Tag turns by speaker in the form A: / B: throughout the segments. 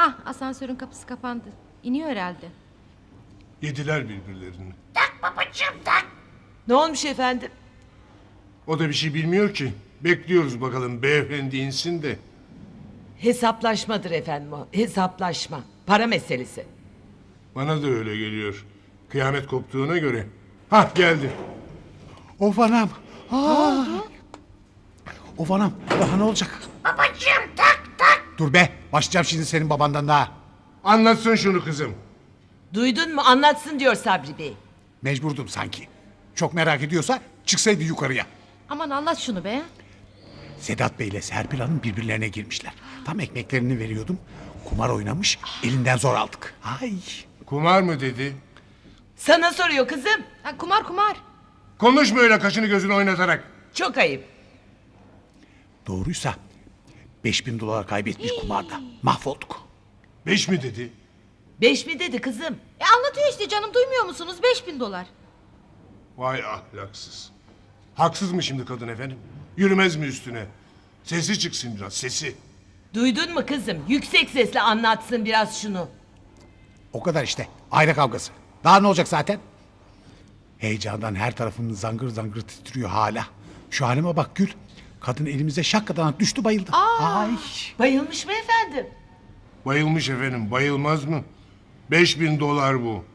A: Hah, asansörün kapısı kapandı. İniyor herhalde.
B: Yediler birbirlerini.
C: Ne olmuş efendim?
B: O da bir şey bilmiyor ki. Bekliyoruz bakalım beyefendi insin de.
C: Hesaplaşmadır efendim o. Hesaplaşma. Para meselesi.
B: Bana da öyle geliyor. Kıyamet koptuğuna göre. Hah geldi.
D: Of anam. Of anam. Daha ne olacak?
E: Babacığım tak.
D: Dur be. Başlayacağım şimdi senin babandan daha.
B: Anlatsın şunu kızım.
C: Duydun mu? Anlatsın diyor Sabri Bey.
D: Mecburdum sanki. Çok merak ediyorsa çıksaydı yukarıya.
A: Aman anlat şunu be.
D: Sedat Bey ile Serpil Hanım birbirlerine girmişler. Tam ekmeklerini veriyordum. Kumar oynamış. Elinden zor aldık. Ay.
B: Kumar mı dedi?
C: Sana soruyor kızım.
A: Ha, kumar.
B: Konuşma öyle kaşını gözünü oynatarak.
C: Çok ayıp.
D: Doğruysa 5.000 dolar kaybetmiş kumarda. Mahvolduk.
B: 5 mi dedi?
C: 5 mi dedi kızım?
A: Anlatıyor işte canım, duymuyor musunuz? 5.000 dolar.
B: Vay ahlaksız. Haksız mı şimdi kadın efendim? Yürümez mi üstüne? Sesi çıksın biraz, sesi.
C: Duydun mu kızım? Yüksek sesle anlatsın biraz şunu.
D: O kadar işte. Aile kavgası. Daha ne olacak zaten? Heyecandan her tarafım zangır zangır titriyor hala. Şu halime bak Gül. Kadın elimize şakkadan düştü bayıldı. Ay.
C: Bayılmış mı efendim?
B: Bayılmış efendim, bayılmaz mı? 5.000 dolar bu.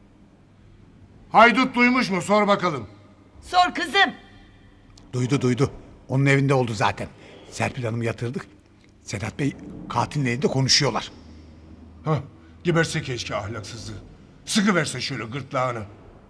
B: Haydut duymuş mu? Sor bakalım.
C: Sor kızım.
D: Duydu. Onun evinde oldu zaten. Serpil Hanım'ı yatırdık. Sedat Bey katilin elinde konuşuyorlar.
B: Hah, geberse keşke ahlaksızlığı. Sıkıverse şöyle gırtlağını.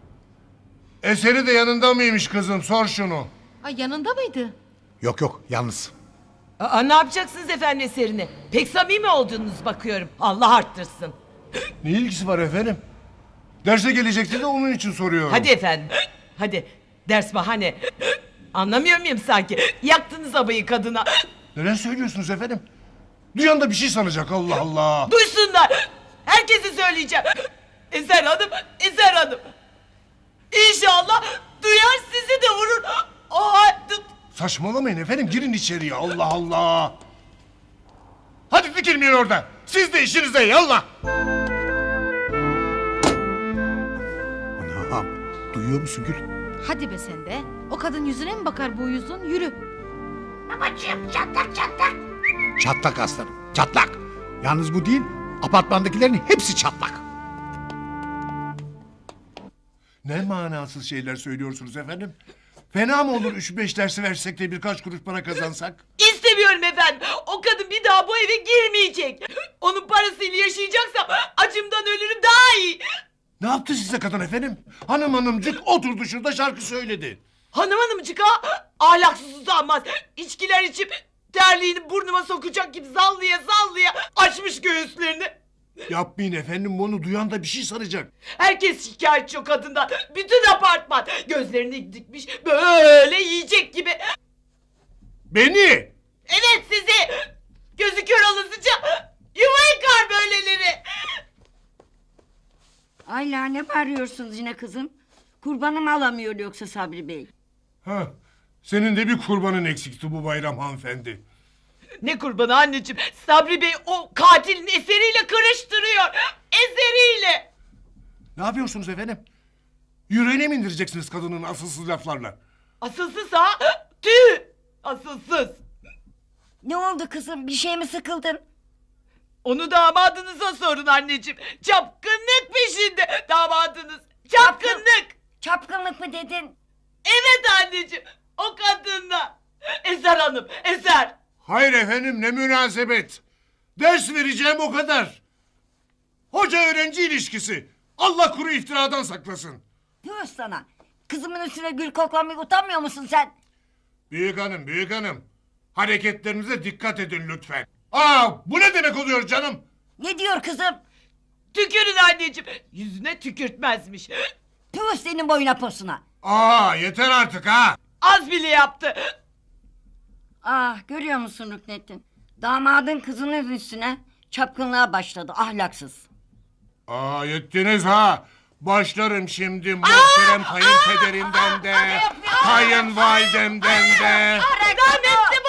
B: Eseri de yanında mıymış kızım? Sor şunu.
A: Ay, yanında mıydı?
D: Yok yalnız.
C: Aa, ne yapacaksınız efendim eserini? Pek samimi olduğunuz bakıyorum. Allah arttırsın.
B: Ne ilgisi var efendim? Derse gelecekti de onun için soruyorum.
C: Hadi efendim. Hadi. Ders bahane. Anlamıyor muyum sanki? Yaktınız abayı kadına.
B: Neler söylüyorsunuz efendim? Duyan da bir şey sanacak, Allah Allah.
C: Duysunlar. Herkese söyleyeceğim. Eser Hanım. İnşallah duyar sizi de vurur. O haydut.
B: Saçmalamayın efendim, girin içeriye, Allah Allah. Hadi dikilmeyin orada. Siz de işinize, yallah.
D: Anam. Duyuyor musun Gül?
A: Hadi be sen de. O kadın yüzüne mi bakar bu yüzün? Yürü.
E: Babacığım çatlak.
D: Çatlak aslanım. Çatlak. Yalnız bu değil. Apartmandakilerin hepsi çatlak.
B: Ne manasız şeyler söylüyorsunuz efendim? Fena mı olur 3-5 dersi versek de birkaç kuruş para kazansak?
C: İstemiyorum efendim. O kadın bir daha bu eve girmeyecek. Onun parasıyla yaşayacaksam acımdan ölürüm daha iyi.
B: Ne yaptı size kadın efendim? Hanımcık oturdu şurada şarkı söyledi.
C: Hanımcık ha, ahlaksız utanmaz. İçkiler içip terliğini burnuma sokacak gibi sallaya açmış göğüslerini.
B: Yapmayın efendim, bunu duyan da bir şey sanacak.
C: Herkes şikayetçi o kadından. Bütün apartman gözlerini dikmiş böyle yiyecek gibi.
B: Beni!
C: Evet sizi. Gözü kör olasıca yuva yıkar böyleleri.
F: Ayla ne bağırıyorsunuz yine kızım? Kurbanım alamıyor yoksa Sabri Bey.
B: Ha, senin de bir kurbanın eksikti bu bayram hanımefendi.
C: Ne kurbanı anneciğim? Sabri Bey o katilin eseriyle karıştırıyor. Eseriyle.
B: Ne yapıyorsunuz efendim? Yüreğine mi indireceksiniz kadının asılsız laflarla?
C: Asılsız ha? Tüh! Asılsız.
F: Ne oldu kızım, bir şey mi sıkıldın?
C: Onu damadınıza sorun anneciğim. Çapkınlık peşinde damadınız. Çapkınlık.
F: Çapkınlık mı dedin?
C: Evet anneciğim. O kadınla. Eser Hanım, Eser.
B: Hayır efendim, ne münasebet. Ders vereceğim o kadar. Hoca öğrenci ilişkisi. Allah kuru iftiradan saklasın.
F: Tüh sana. Kızımın üstüne gül koklamaya utanmıyor musun sen?
B: Büyük hanım. Hareketlerinize dikkat edin lütfen. Aa, bu ne demek oluyor canım?
F: Ne diyor kızım?
C: Tükürün anneciğim. Yüzüne tükürtmezmiş.
F: Tüh senin boyuna posuna.
B: Aa, yeter artık ha.
C: Az bile yaptı.
F: Ah, görüyor musun Rüknettin? Damadın kızının üstüne çapkınlığa başladı, ahlaksız.
B: Aa, yettiniz ha. Başlarım şimdi muhterem kayınpederimden de, kayınvalidemden de.
C: Rahmetli